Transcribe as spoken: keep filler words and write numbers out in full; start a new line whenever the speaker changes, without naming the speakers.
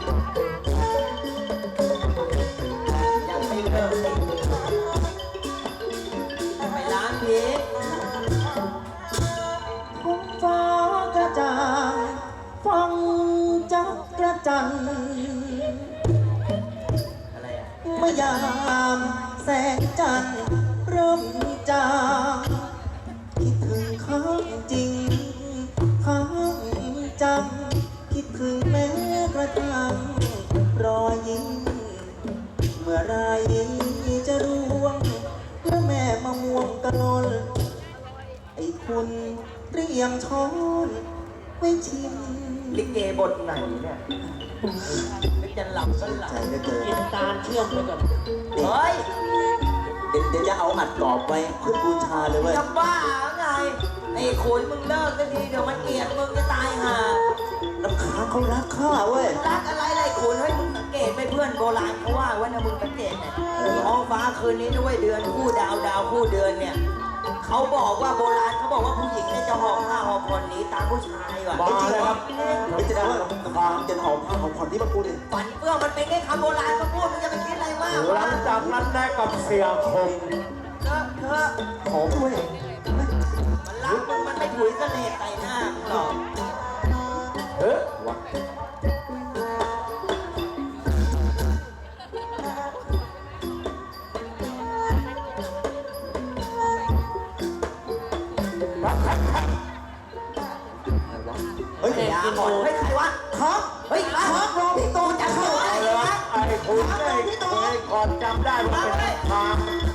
ยังไม่เลิกไปร้านพีช
ท้องฟ้ากระจ่างฟังจักกระจัน
อะไรอ่ะ
เมื่อยามแสงจันทร์เริ่มจางคิดถึงข้างจริงข้างจำคิดถึงแม้กระทั่งรอยยิ้มเมื่อไรจะร่วงพระแม่มะม่วงกะลนไอ้คุณเตรียมช้อนไว้ชิม
ลิเกบทไหนเนี่ยนึกจะหลับก็หลับ
ใจเหลือเกิน
กินตาลเชื่อมไปก่อน
เฮ้ย
เดี๋ยวเดี๋ยวจะเอาอัดกรอบไว้เพื่อบูชาเลยเว้ย
จะบ้าไงไอ้ขุนมึงเลิกสักทีเดี๋ยวมันเกลียดมึงจะตายห่า
น้ำค้างเขารักข้าเว้ย
รักอะไรไรขุนให้มึงสังเกตไหมเพื่อนโบราณเขาว่าว่านะมึงสังเกตเนี่ยท้องฟ้าคืนนี้ด้วยเดือนคู่ดาวดาวคู่เดือนเนี่ยเขาบอกว่าโบราณเขาบอกว่าผู้หญิงเนี่ยจะหอบผ้าหอบผ่อนหนีตามผู้ชายว่ะ
ไม่จริงครับไม่จริงว่าน้ำค้างจะหอมผ้าหอมผ่อนที่มาพูดเลย
ฝันเฟื่องมันเป็นแค่คำโบราณมาพูดมึงจะไปคิดอะไรมาก
หลังจากนั้นได้กับเสียคม
เถอะเถอะ
หอมเว้ย
มันรักมึงมันไม่ถุยเสน่ห์ใส่หน้ามึงหรอก
เฮ้ยว
เฮ้ย
อย่าหอนเฮ้ยใครวะ
ค้าง
เฮ้ยมา
ค้างรอพี่โตจะเข้า
ไอ้
ไอ้คุณได้เคยก่อนจำได้ว่าเป็นทาง